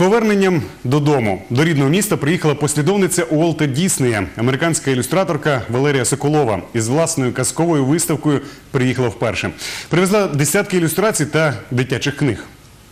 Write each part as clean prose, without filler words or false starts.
поверненням додому до рідного міста приїхала послідовниця Уолта Діснея, американська ілюстраторка Валерія Соколова. Із власною казковою виставкою приїхала вперше. Привезла десятки ілюстрацій та дитячих книг.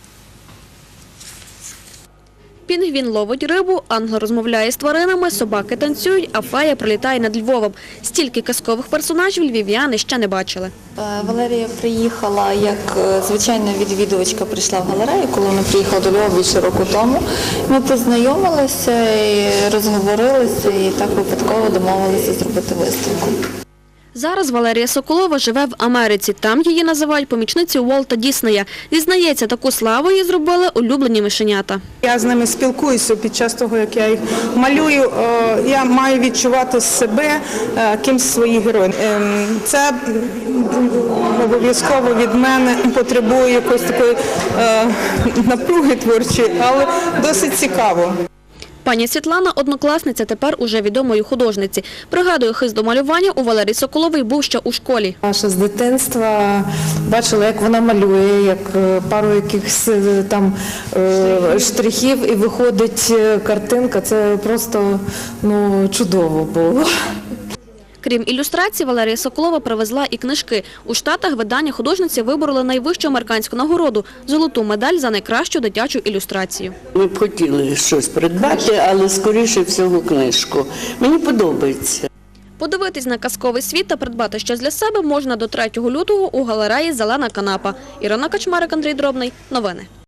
Пінгвін ловить рибу, ангел розмовляє з тваринами, собаки танцюють, а фея прилітає над Львовом. Стільки казкових персонажів львів'яни ще не бачили. Валерія приїхала, як звичайна відвідувачка прийшла в галерею, коли вона приїхала до Львова більше року тому. Ми познайомилися, і розговорилися і так випадково домовилися зробити виставку. Зараз Валерія Соколова живе в Америці. Там її називають помічницею Уолта Діснея. Зізнається, таку славу їй зробили улюблені мишенята. Я з ними спілкуюся під час того, як я їх малюю. Я маю відчувати себе кимсь своїх героїв. Це обов'язково від мене потребує якоїсь такої напруги творчої, але досить цікаво. Пані Світлана – однокласниця, тепер уже відомої художниці. Пригадує, хист до малювання у Валерії Соколової був ще у школі. Ще з дитинства бачила, як вона малює, як пару якихось там штрихів і виходить картинка. Це просто чудово було. Крім ілюстрацій, Валерія Соколова привезла і книжки. У Штатах видання художниці вибороли найвищу американську нагороду – золоту медаль за найкращу дитячу ілюстрацію. Ми б хотіли щось придбати, але скоріше всього книжку. Мені подобається. Подивитись на казковий світ та придбати щось для себе можна до 3 лютого у галереї «Зелена канапа». Ірина Качмарик, Андрій Дробний. Новини.